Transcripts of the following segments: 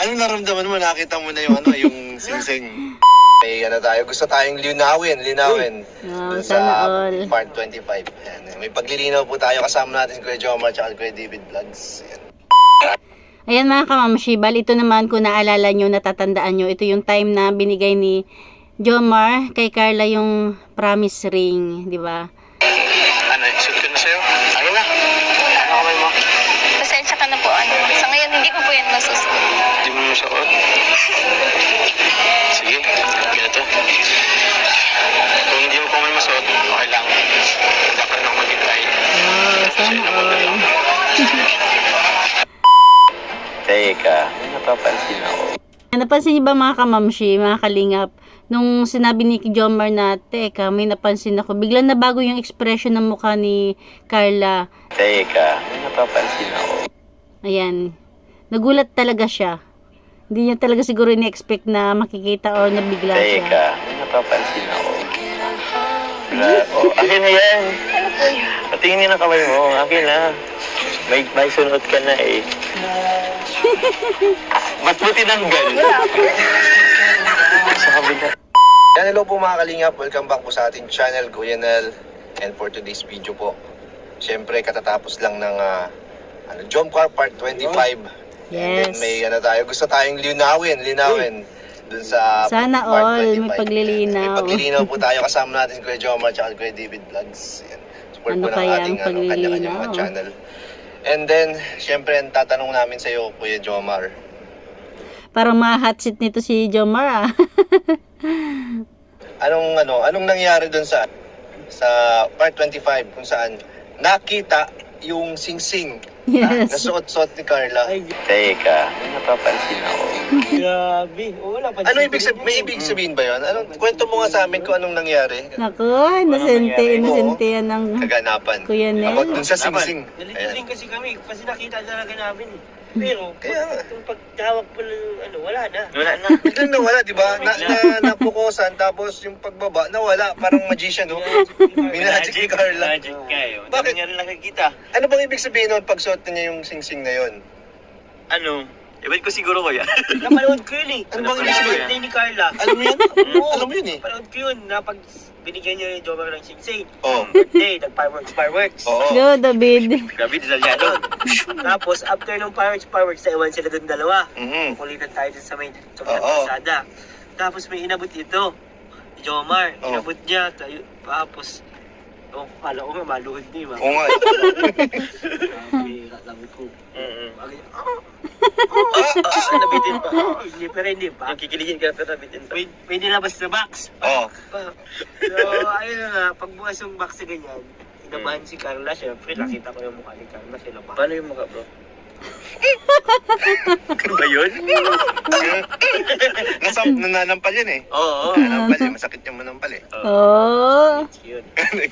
Ano naramdaman mo? Nakita mo na yung ano, yung singsing. May ano tayo, gusto tayong linawin dun Sana sa all. part 25. Ayan. May paglilinaw po tayo, kasama natin si Kuya Jomar at Kuya David Vlogs. Ayan. Ayan mga kamamshi, bali ito naman kung naalala nyo, natatandaan nyo, ito yung time na binigay ni Jomar kay Carla yung promise ring, di ba? Ano, suot ko na sa'yo? Ano na? Ano kamay mo? Pasensya ka na po. Sa ngayon, hindi ko po yan masusuot. Hindi mo masuot? Sige, ganito. Kung hindi mo pa may masuot, okay lang. Dapat na ako maghintay. Sana all. Teka, may napapansin ako. Napansin niyo ba mga kamamshi, mga kalingap, nung sinabi ni Jomar na, teka, may napansin ako, biglang nabago yung expression ng mukha ni Carla. Teka, may napapansin ako. Ayan, nagulat talaga siya. Hindi niya talaga siguro ni-expect na makikita or nabigla siya. Teka, may napapansin ako. Oh, akin na yan. Patingin niya ng kamay mo. Akin na. May sunod ka na eh. Ba't mo tinanggal? Sa kabila. Yan, hello po mga kalingap. Welcome back po sa ating channel, Kuya Nel. And for today's video po, syempre katatapos lang ng Jomcar Part 25. And then Yes. may ano tayo, gusto tayong linawin dun sa Sana Part all, 25. may paglilinaw. May paglilinaw po tayo, kasama natin si Kuya Jomar at Kuya David Vlogs. Yan. Support Ano po ng kaya ating ang paglilinaw? kanya-kanyang mga channel. And then, syempre, ang tatanong namin sa iyo, Kuya Jomar. Parang ma-hot seat nito si Jomar ah. Anong nangyari dun sa Part 25 kung saan nakita yung singsing Yes. nasuot-suot ni Carla? Teka, may napapansin ako. Grabe. Oo, wala pa. Ano may ibig sabihin ba yun? Kwento mo nga sa amin kung anong nangyari. Naku, inosente yan ng Kaganapan. Kuya Nel. About dun sa singsing. Nalito Ayan. din kasi kami kasi nakita talaga namin eh. Pero, Kaya nga. itong pagtawag po ng wala na. Wala na. Biglang nawala, di ba? Napukusan, tapos yung pagbaba, nawala. Parang magician, no? Minagic ni Carla. Magic kayo. Bakit? Dami nga rin nakikita. Ano bang ibig sabihin nun pag suot niya yung singsing na yun? Ano? Ewan ko siguro ko yan. Napanood ko yun eh. Ano bang ibig sabihin? Birthday ni Carla. Alam mo yun? Alam mo yun eh. Napanood ko yun na pag binigyan niya ni Jomar ng singsing. Oo. Birthday, nag-fireworks. Oo. Go, David. David Zalyano. Tapos, after nung fireworks, naiwan sila dun dalawa. Mhm. Kulitan tayo dun sa may Oo. pasada. Tapos may inabot ito. Si Jomar. Oo. Inabot niya. Tapos, kala ko nga maluhod niya. Oo nga. Sabi ko. Mhm. Nabitin pa. Hindi pa rin, hindi pa. Yung kikiligin ka pero nabitin pa. May nilabas na box. Oo. So, ayun na nga. Pagbukas yung box na ganyan, inabahan si Carla. Siyempre, nakita ko yung mukha ni Carla. Sinabahan. Paano yung mukha, bro? Ano ba yun? Nananampal yun eh. Oo. Nananampal yun. Masakit yung manampal eh. Oh. Yun.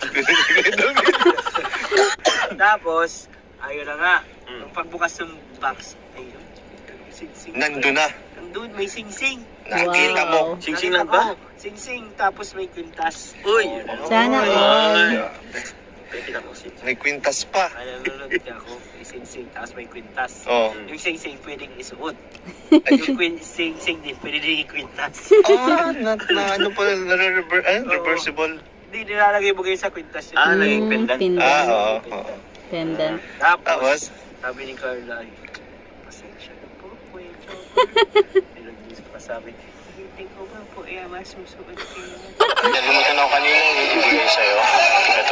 Tapos, ayun na nga. Nung pagbukas ng box, ayun. Sing-sing. Nandun na. Nandun, may sing-sing. Nakita mo. Wow. Sing-sing lang ba? Sing-sing, tapos may kwintas. Uy! Sana all. Pwede ko sing-sing. May kwintas pa. Nanonood ka ako, may sing-sing, tapos may kwintas. Oo. Yung sing-sing pwedeng isuot. Yung sing-sing din, pwede din ikwintas. Ano pa, reversible. Hindi, nilalagay mo kayo sa kwintas yun. naging pendant. Oo. Pendant. Tapos? Tapos, sabi ni Carla, ay, pasensya na po, Kuya Jomar. Pinag-isip pa sabi, hindi ko ba po masusuot kayo. Nalimutan ako kanina yung ibigay sa'yo. Ito.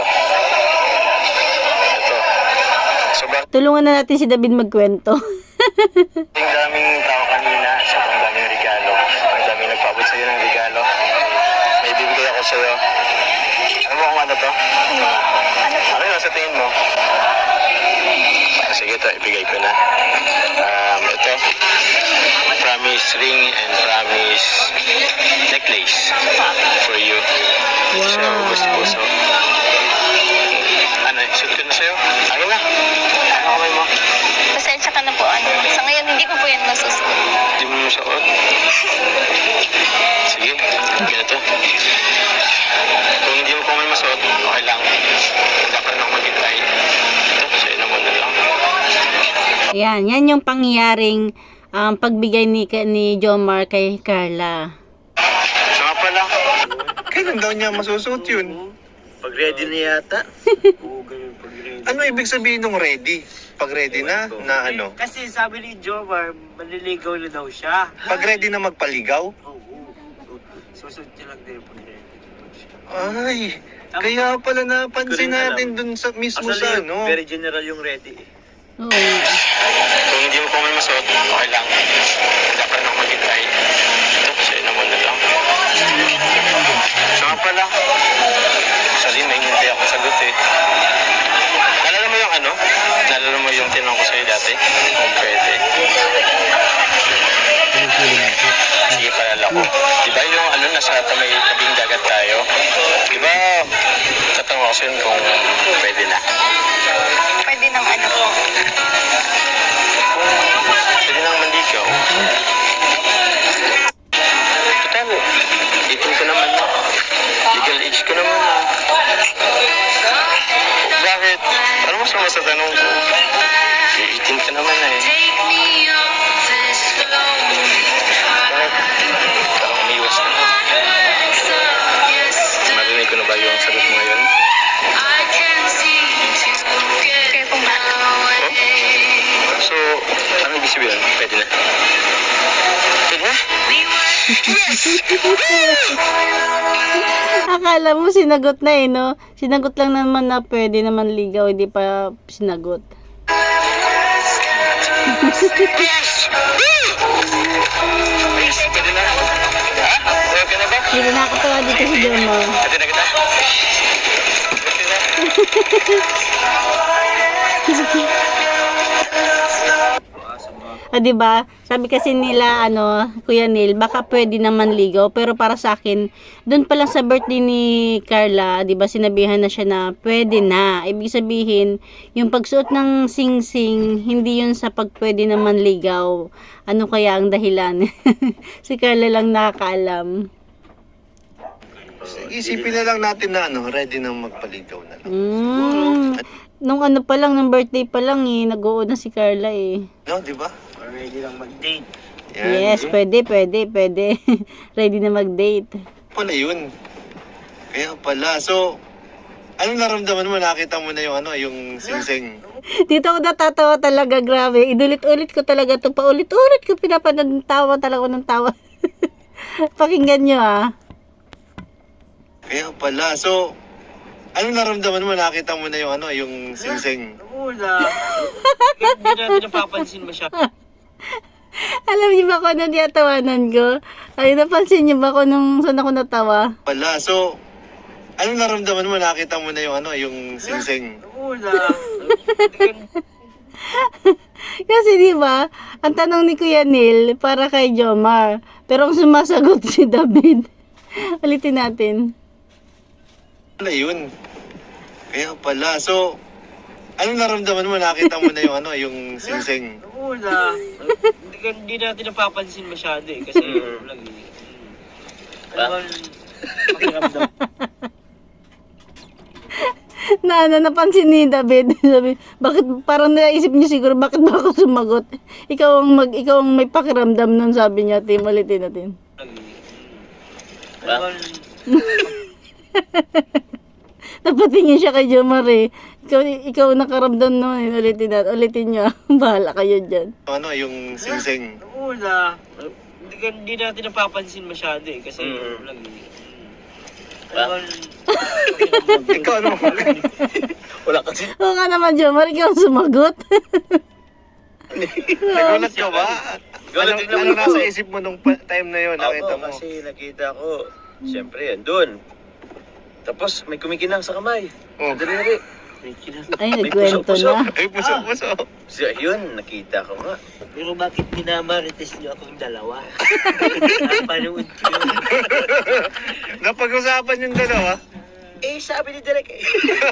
Sobrang Tulungan na natin si David magkwento. daming tao kanina. Sobrang daming regalo. Ang daming nagpabot sa'yo ng regalo. May bibigay ako sa'yo. Ano mo kung ano to? Ano yun sa tingin mo? Sige, ito. Ibigay ko na. Ito. Promise ring and promise necklace for you. So, gusto. Ano, suot ko na sa'yo? Ano na? Ano kamay mo? Pasensya ka na po. Sa ngayon, hindi ko po yan masusuot. Hindi mo masuot? Sige, ganito. Kung hindi mo pa may masuot, okay lang. Dapat na ako maghintay. Ito, sa'yo na muna lang. Yan yung pangyayaring pagbigay ni Jomar kay Carla. Siya nga pala. Kailan daw niya masusuot yun? Pag ready na yata. Oo, ganun pag ready. Ano ibig sabihin ng ready? Pag ready na ano? Kasi sabi ni Jomar, maliligaw na daw siya. Pag ready na magpaligaw? Oo. Susunod niya lang din pag ready. Ay, kaya pala napansin natin dun sa mismo sa ano. Very general yung ready eh. Oo. Kung hindi mo pa may masuot, okay lang. Dapat na ako mag-try. Ito, sa'yo na muna lang. Siya nga pala. Actually, may hindi ako sagot eh. Nalala mo yung ano? Nalala mo yung tinanong ko sa'yo dati? Kung pwede. Sige, palala ko. Diba yung ano, nasa may tabing dagat tayo? Diba, tatanong ako sa'yo kung pwede na. Pwede ng ano po. Pwede nang manligaw. Total, 18 ko naman na. Legal age ko naman na. Bakit? Ano mas naman sa tanong ko? 18 ka naman na eh. Bakit? Parang umiwas ka na. Marinig ko na ba yung sagot mo ngayon? Kaya kung bakit. So, ano ibig sabihin? Pwede na. Pwede na? Akala mo sinagot na eh, no? Sinagot lang naman na pwede naman ligaw, hindi pa sinagot. Pwede na? Ha? Okay ka na ba? Hindi na nakatawa dito si Jomar. Pwede na kita? Pwede na? Di ba? Sabi kasi nila, Kuya Neil, baka pwede naman ligaw. Pero para sa akin, doon pa lang sa birthday ni Carla, di ba, sinabihan na siya na pwede na. Ibig sabihin, yung pagsuot ng sing-sing, hindi yun sa pagpwede naman ligaw. Ano kaya ang dahilan? Si Carla lang nakakaalam. Isipin na lang natin na ready na magpaligaw na lang. Nung pa lang, nung birthday pa lang nag-oo na si Carla eh. No, di ba? Ready lang mag-date. Yes, pwede. Ready na mag-date. Pala yun. Kaya pala. So, anong naramdaman mo? Nakita mo na yung yung sing-sing. Dito ako natatawa talaga, grabe. Inulit-ulit ko talaga ito. Paulit-ulit ko pinapanood, tawa talaga ng tawa. Pakinggan nyo Kaya pala. So, anong naramdaman mo? Nakita mo na yung sing-sing. Wala. Hindi natin napapansin masyado. Alam niyo ba kung ano niyatawanan ko? Ay, napansin niyo ba kung nung saan ako natawa? Pala. So, anong naramdaman mo? Nakita mo na yung sing-sing. Wala. Kasi di ba, ang tanong ni Kuya Neil para kay Jomar. Pero ang sumasagot si David. Ulitin natin. Pala yun. Kaya pala. So, anong naramdaman mo? Nakita mo na yung sing-sing. Wala. Hindi natin napapansin masyado eh. Kasi vlog eh. Ano ba pakiramdam? Napansin ni David. Sabi, bakit, parang naisip niya siguro, bakit ba ako sumagot? Ikaw ang may pakiramdam nun, sabi niya. Tim, ulitin natin. Ano ba Napatingin siya kay Jomar eh. Ikaw nakaramdam nun. Ulitin niyo. Bahala kayo dyan. Yung sing-sing. wala. Hindi natin napapansin masyado eh. Kasi vlog eh. Ano ba Ikaw ano mo? Wala kasi. Oo nga naman, Jomar. Ikaw ang sumagot. Nagulat ka ba? Gulat din Ano naman ako. nasa isip mo nung time na yun? Nakita mo? Kasi nakita ko, siyempre yan, doon. Tapos may kumikinang sa kamay. Oh. Sa daliri. Ay, nagkwento na. Ay, puso. So, yun, nakita ko nga. Pero bakit minamarites niyo akong dalawa? Napanood ko yun. Napag-usapan yung dalawa? Eh, sabi ni Derek eh.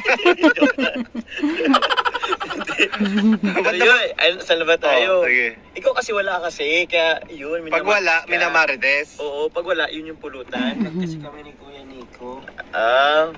Pero yun, saan na ba tayo? Oh, sige. Ikaw kasi wala kasi, kaya yun. Pag wala, minamarites. Oo, pag wala, yun yung pulutan. Kasi kami ni Kuya Nico.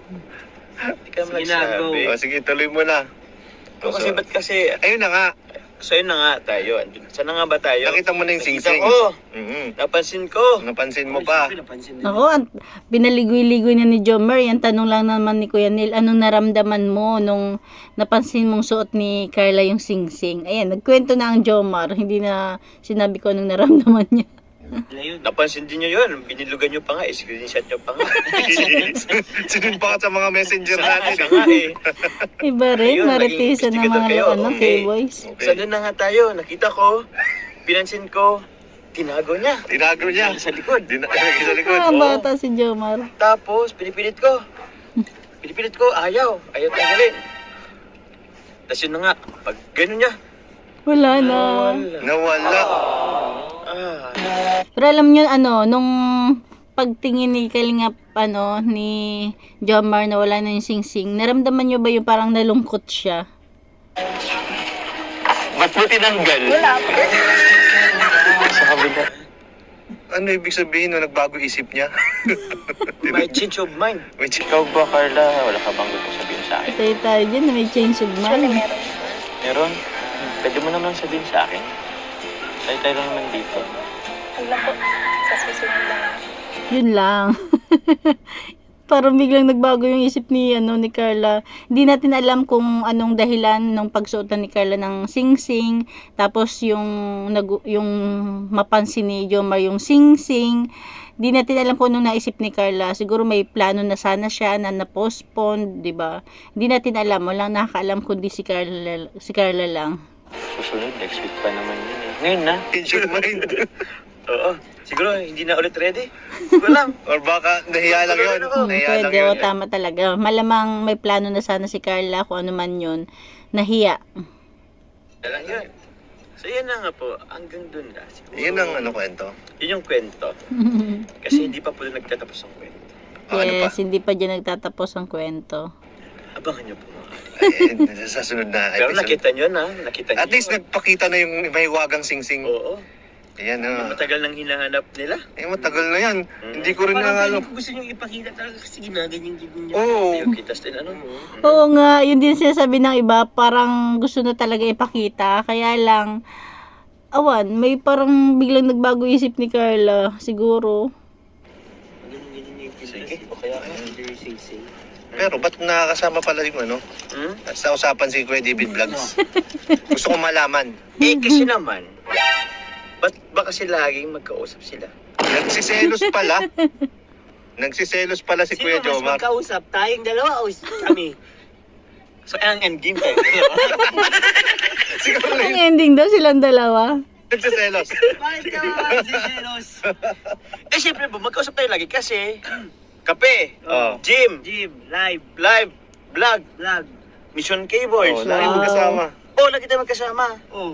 Hindi ka naman Sige na, go. nagsabi. O sige, tuloy mo na. Ikaw kasi ba't kasi, Ayun na nga. So yun na nga tayo. Saan na nga ba tayo? Nakita mo na yung Nakita sing-sing. ko. Mhm. Napansin ko. Napansin mo pa. Napansin din. Ako, pinaligoy-ligoy na ni Jomar. Yan, tanong lang naman ni Kuya Neil, anong naramdaman mo nung napansin mong suot ni Carla yung sing-sing? Ayan, nagkwento na ang Jomar. Hindi na sinabi ko anong naramdaman niya. Ayun. Napansin din nyo yun. Binilugan nyo pa nga. Screenshot nyo pa nga. Sinunpa ka sa mga messenger natin. Siya nga eh. Iba rin, Ayun, maritisan naging ng mga kayo. ano, Okay. K-boys. Saan na nga tayo? Nakita ko. Pinansin ko. Tinago niya. Tinago niya. Sa likod. Sa likod. Ah, bata si Jomar. Tapos, pinipilit ko. Ayaw. Ayaw tanggalin. Tapos yun na nga. Pag gano'n niya. Wala na. Nawala. Ah. Pero alam niyo ano, nung pagtingin ni Kalingap, ano, ni Jomar na wala na yung sing-sing, naramdaman niyo ba yung parang nalungkot siya? Ba't mo tinanggal? Sa kabila. Ano ibig sabihin nung nagbago isip niya? May change of mind. May chi- Ikaw ba, Carla? Wala ka bang gusto sabihin sa akin? Tayo dyan na may change of mind. Meron? Pwede mo naman sabihin sa akin. Tayo lang naman dito. Wala po. Sa susunod lang. Yun lang. Parang biglang nagbago yung isip ni ni Carla. Hindi natin alam kung anong dahilan ng pagsuotan ni Carla ng sing-sing. Tapos yung mapansin ni Jomar yung sing-sing. Hindi natin alam kung anong naisip ni Carla. Siguro may plano na sana siya na na-postpone, 'di ba? Hindi natin alam, walang nakakaalam kundi si Carla lang. Susunod, next week pa naman yun eh. Ngayon na. change your mind. Oo. Siguro, hindi na ulit ready. Siguro lang. Or baka nahiya lang yun. Nahiya lang Pwede, yun. o tama talaga. Malamang may plano na sana si Carla kung ano man yun. Nahiya. Lang yun. So, yan na nga po. Hanggang dun na. Siguro. Yun ang kwento. Yun yung kwento. Kasi hindi pa po nagtatapos ang kwento. Ano pa? Yes, hindi pa dyan nagtatapos ang kwento. Abangan niyo po mga Sa sunod na Pero episode. nakita niyo na. Nakita niyo. At least nagpakita na yung may wagang sing-sing. Oo. Ayan Yung matagal nang hinahanap nila. matagal na yan. Hindi ko rin Parang alam. gusto nyo ipakita talaga kasi ginaganyan niya. Oo. Yung kitas din ano. Oo nga, yun din sinasabi ng iba, parang gusto na talaga ipakita. Kaya lang, may parang biglang nagbago isip ni Carla, siguro. Ganyan yung Sige, kitas. o kaya ka. Sing-sing. Pero ba't nakakasama pala yung sa usapan si Kuya David Vlogs? Gusto ko malaman. Kasi naman, ba't ba kasi laging magkausap sila? Nagsiselos pala. Nagsiselos pala si Sino Kuya mas Jomar. magkausap? Tayong dalawa o kami? So, ang endgame tayo. Siguro Ang ending daw silang dalawa. nagsiselos. Bakit ka magsiselos? Eh, syempre po, magkausap tayo lagi kasi kape, Oh. gym, Live, live, vlog, vlog. Mission K-Boys. Oh, lagi mo kasama. Oh, lagi tayo magkasama. Oh.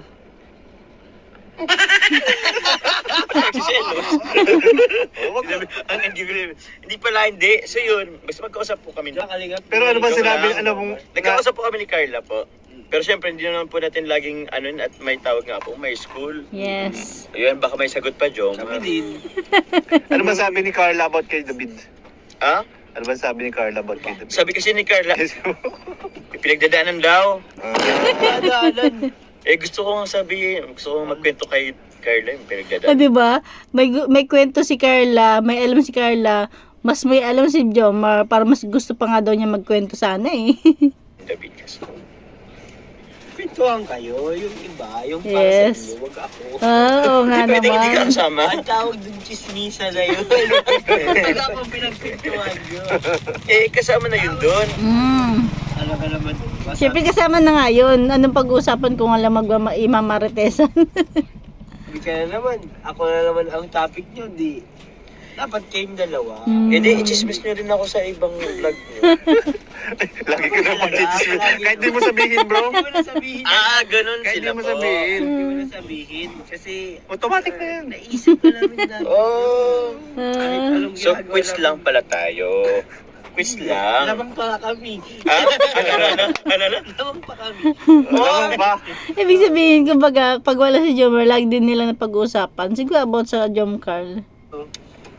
Nagsiselos. Ang endgame, hindi pala hindi. So yun, basta magkausap po kami. Pero ano ba Joke sinabi? lang. Ano mong... Nagkakausap po kami ni Carla po. Pero syempre, hindi naman po natin laging at may tawag nga po, may school. Yes. Ayun, baka may sagot pa, Jom. Kami din. Ano ba sabi ni Carla about kay David? Ha? Ano ba sabi ni Carla about kay David? Sabi kasi ni Carla, pinagdadaanan daw. Padalan. Eh, gusto ko magkwento kay Carla yung Ah, pinagdadaanan. di ba? May kwento si Carla, may alam si Carla, mas may alam si Jomar, para mas gusto pa nga daw niya magkwento sana eh. David kasi. Pintuan kayo, yung iba, yung para Yes. sa inyo, wag ako. Oo nga Hindi pwedeng hindi ka naman. kasama. Ang tawag dun chismisa na yun. Wala pang pinagpintuan yun. Eh, kasama na yun doon. Ano ka naman? Siyempre kasama na nga yun. Anong pag-uusapan kung alam imamaritesan? Hindi ka na naman. Ako na naman ang topic nyo, di. Dapat kayong dalawa. Eh, di, i-chismis nyo rin ako sa ibang vlog nyo. Lagi ka na mag-chismis. Kahit di mo sabihin, bro. Hindi mo na sabihin. Ganun Kahit sila di mo po. sabihin. Hindi mo na sabihin. Kasi Automatic na yan. naisip ko namin na. Oh. Kahit anong So, ginagawa quiz namin. lang pala tayo. Quiz lang. Labang pa kami. Ha? Ano na? Labang pa kami. Alam mo ba? Ibig sabihin, kumbaga, pag wala si Jomar, lagi din nila na pag-uusapan. Siguro about sa Jom Carl.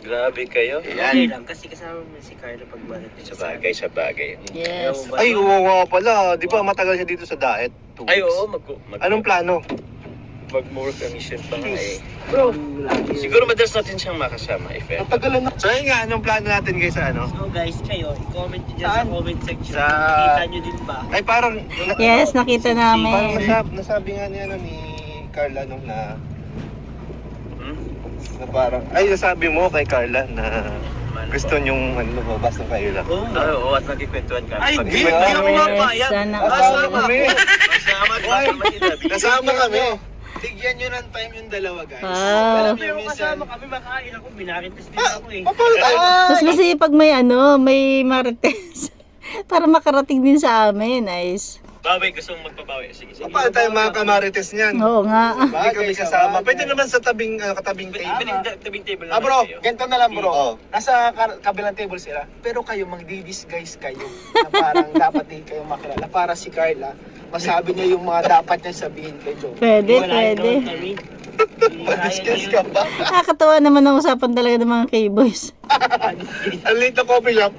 Grabe kayo. Hindi lang, kasi kasama mo si Carla pag balik. Sa bagay. Yes. Ay, oo nga pala. Di ba matagal siya dito sa Daet? 2 Ay, weeks. oo. Anong plano? Mag-more commission pa nga eh. Bro, siguro madalas natin siyang makasama, if ever. Natagalan na. So yun nga, anong plano natin guys sa ano? So guys, kayo, i-comment nyo dyan sa comment section. Sa- Kita nyo din ba? Ay parang, Yes, nakita parang namin. nasabi nga niya ni Carla nung na Hmm? parang, ay nasabi mo kay Carla na gusto niyong lumabas ng kayo lang. Oo. Oo, at nagkikwentuhan kami. Ay, Pag- hindi ako mapayag. Sana Kasama kami. Kasama si David. Kasama kami. Bigyan nyo ng time yung dalawa, guys. Wow. Alam Pero niyo, kasama minsan, kami, makain ako, binarites din ako eh. Paano tayo? Mas masaya pag may may marites. Para makarating din sa amin, nice. Bawi, gusto mong magpabawi. Sige, sige. Paano tayo mga kamarites niyan? Oo nga. Hindi kami kasama. Pwede naman sa tabing Pwede table. tabing table Ah, bro, kayo. ganito na lang, bro. Oo. Nasa kabilang table sila. Pero kayo, magdi-disguise kayo. Na parang dapat din kayo makilala. Para si Carla, masabi niya yung mga dapat niya sabihin kay Joe. Pwede, Wala pwede. naman kami. Hindi kaya Discuss niyo ka ba? Nakakatawa naman ang usapan talaga ng mga K-boys. Ang late na coffee shop.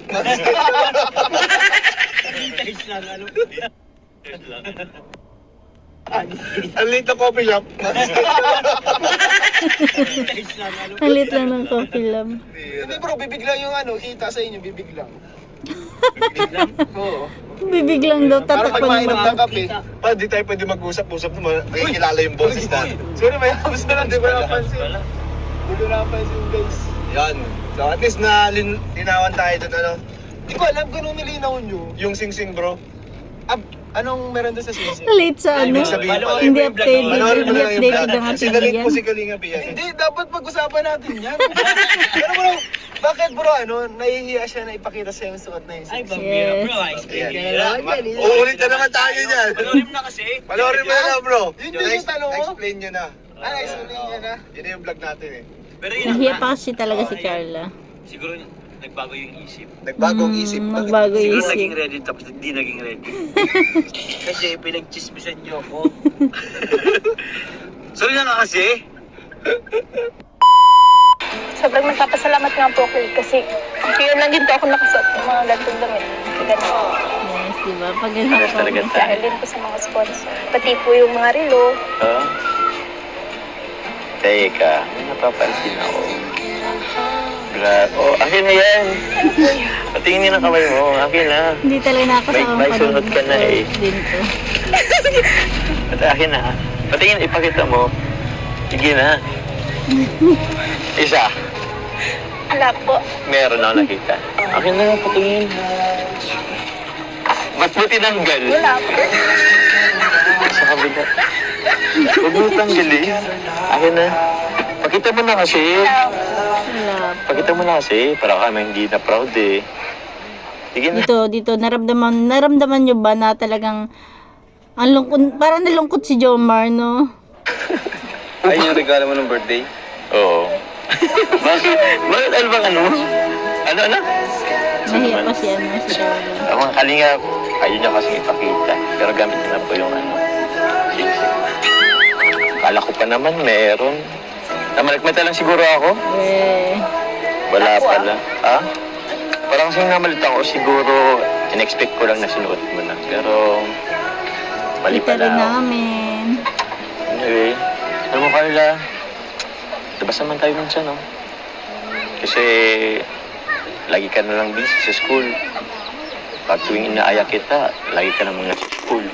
guys lang, ano. Ang late na coffee shop. Guys lang, ano. Ang lit lang ng coffee lab. Hindi bro, bibig lang yung kita sa inyo, bibig lang. Oo. Bibig lang daw, Parang pag tatakpan mainom mo. ng kape. Pa, di tayo pwede mag-usap-usap naman. Nakikilala yung boses natin. Sorry, may hapos na lang, di ba napansin? Di ko napansin, guys. Yan. So at least na linawan tayo doon ano. Di ko alam kung anong nilinaw nyo. Yung sing-sing bro. Anong meron doon sa sisi? Late sa ano. Ibig sabihin pala. Hindi updated. Panoorin mo Hindi na lang yung updated vlog. ang ating Sinalit yan. po si Kalinga Pia. Hindi, dapat pag-usapan natin yan. Pero bro, bakit bro, nahihiya siya na ipakita sa yung suot na yung Ay, sisi? bambira, Yes. bro. Explain Yan. ka na lang. Uulit na naman tayo niyan. Panoorin mo na kasi. Panoorin mo na lang bro. Yun yung tanong mo? Explain nyo na. Explain niya na. Yun na yung vlog natin eh. Pero yun Nahiya nga. pa kasi talaga si Carla. Siguro nagbago yung isip. Nagbagong isip. Magbago Siguro isip. naging ready tapos hindi naging ready. Kasi pinagchismisan niyo ako. Sorry na nga kasi. Sobrang nagpapasalamat nga po ako kasi yun lang din po ako nakasuot ng mga gantong damit. Ganun. Yes, diba? Pag ganun Pares talaga ako. Dahil din po sa mga sponsor. Pati po yung mga relo. Teka, may napapansin ako. Oh, akin na yan. Patingin niyo ng kamay mo. Akin na. Hindi talaga nakakasama May sunod ka na eh. Din to. At akin na. Patingin, ipakita mo. Sige na. Isa. Wala po. Meron ako nakita. Akin na, patingin. Ba't mo tinanggal? Wala po. Sa kabila. Huwag mo tanggalin. Akin na. Pakita mo na kasi. Wala. Pakita mo na kasi. Para kami hindi na proud eh. Sige na. Dito, naramdaman nyo ba na talagang ang lungkot, parang nalungkot si Jomar, no? Ay, yung regalo mo ng birthday? Oo. Bakit? Bakit ano bang ano? Ano? Nahiya pa si Carla. Ako ang kalinga, ayaw niya kasi ipakita. Pero gamit niya na po yung singsing. Kala ko pa naman meron. Namalikmata lang siguro ako. Eh, Wala pala. Ha? Parang kasi namalit ako siguro, in-expect ko lang na sinuot mo na. Pero, mali kita pala rin ako. namin. Anyway, alam mo Carla, labas naman tayo minsan, no? Kasi, lagi ka na lang busy sa school. Pag tuwing inaaya kita, lagi ka na mga sa school.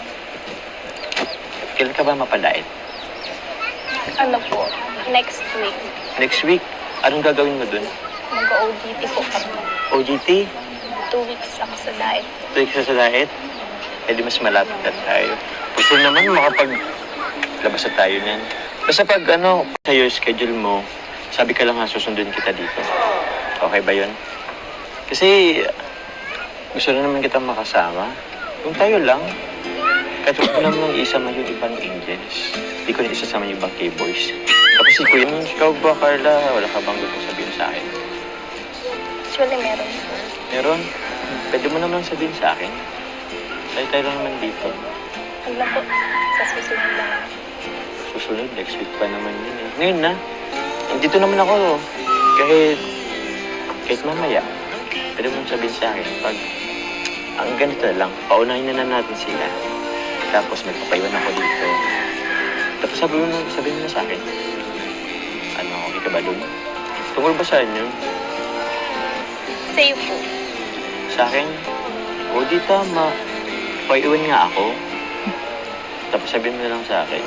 Kailan ka ba mapadait? Ano po? Next week. Next week, anong gagawin mo dun? Mag-ODT po kami. OGT? 2 weeks ako sa diet. 2 weeks na sa diet? Eh di mas malapit na tayo. Gusto naman makapaglabas na tayo niyan. Basta pag sa'yo schedule mo, sabi ka lang susundin kita dito. Okay ba yun? Kasi gusto na naman kitang makasama. Kung tayo lang, kahit huwag ko naman isama yung ibang angels. Hindi ko na isasama yung ibang K-boys. Tapos si Kuya, ikaw ba Carla, wala ka bang gusto sabihin sa akin? Actually, meron po. Meron? Pwede mo naman sabihin sa akin. Tayo lang naman dito. Ano po? Sa susunod lang. Susunod, next week pa naman yun eh. Ngayon na. Nandito naman ako. Kahit mamaya, pwede mong sabihin sa akin, pag ang ganito na lang, paunahin na natin sila. Tapos magpapaiwan ako dito. Tapos sabihin mo na sa akin, ano, okay ka ba doon? Tungkol ba saan yun? Sa'yo po. Sa akin, o di tama, paiwan nga ako. Tapos sabihin mo na lang sa akin,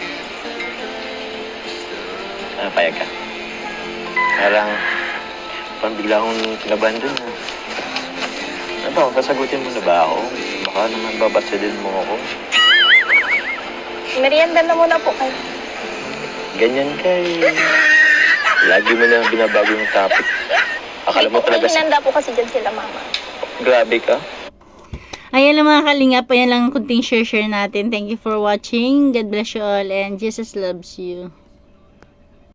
ano, payag ka? Parang bigla akong kinabahan dun ha. Ano ba, kasagutin mo na ba ako? Baka naman babatsadin mo ako. Merienda na muna po kayo. Ganyan kay... Lagi mo na binabago yung topic. Akala mo talaga May hinanda po kasi dyan sila, mama. grabe ka. Ayan lang mga kalingap, ayan lang ang kunting share natin. Thank you for watching. God bless you all and Jesus loves you.